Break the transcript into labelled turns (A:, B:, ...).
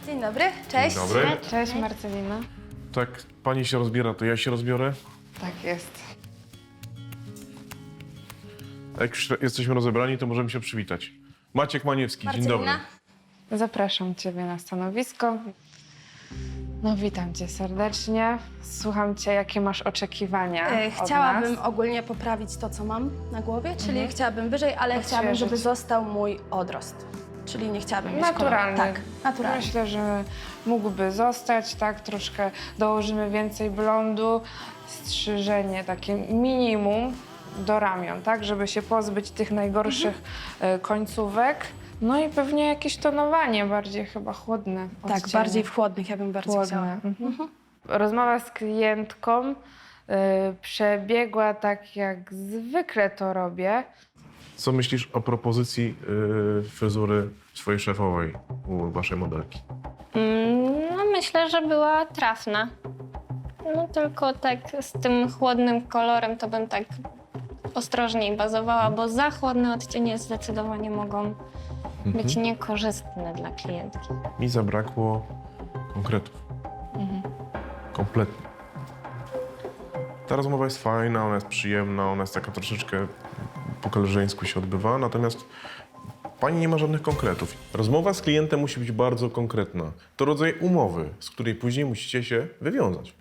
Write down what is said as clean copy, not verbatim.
A: Dzień dobry, cześć.
B: Dzień dobry.
C: Cześć Marcelina.
B: Tak, pani się rozbiera, to ja się rozbiorę.
C: Tak jest.
B: A jak już jesteśmy rozebrani, to możemy się przywitać. Maciek Maniewski, dzień dobry.
A: Marcelina.
C: Zapraszam Ciebie na stanowisko. No witam Cię serdecznie. Słucham Cię, jakie masz oczekiwania od
A: Chciałabym
C: nas.
A: ogólnie poprawić to, co mam na głowie, czyli chciałabym wyżej, ale chciałabym,
C: Odświeżyć.
A: żeby został mój odrost. Czyli nie chciałabym mieć
C: Naturalny.
A: koloru. Tak, naturalny.
C: Myślę, że mógłby zostać, tak? Troszkę dołożymy więcej blondu, strzyżenie takie minimum do ramion, tak? Żeby się pozbyć tych najgorszych końcówek. No i pewnie jakieś tonowanie, bardziej chyba chłodne
A: Tak,
C: odcienie.
A: bardziej w chłodnych ja bym bardzo chciała.
C: Chłodne. Rozmowa z klientką przebiegła tak, jak zwykle to robię.
B: Co myślisz o propozycji fryzury swojej szefowej u waszej modelki?
D: No myślę, że była trafna. No tylko tak z tym chłodnym kolorem to bym tak ostrożniej bazowała, bo za chłodne odcienie zdecydowanie mogą być niekorzystne dla klientki.
B: Mi zabrakło konkretów. Kompletnie. Ta rozmowa jest fajna, ona jest przyjemna, ona jest taka troszeczkę po koleżeńsku się odbywa, natomiast pani nie ma żadnych konkretów. Rozmowa z klientem musi być bardzo konkretna. To rodzaj umowy, z której później musicie się wywiązać.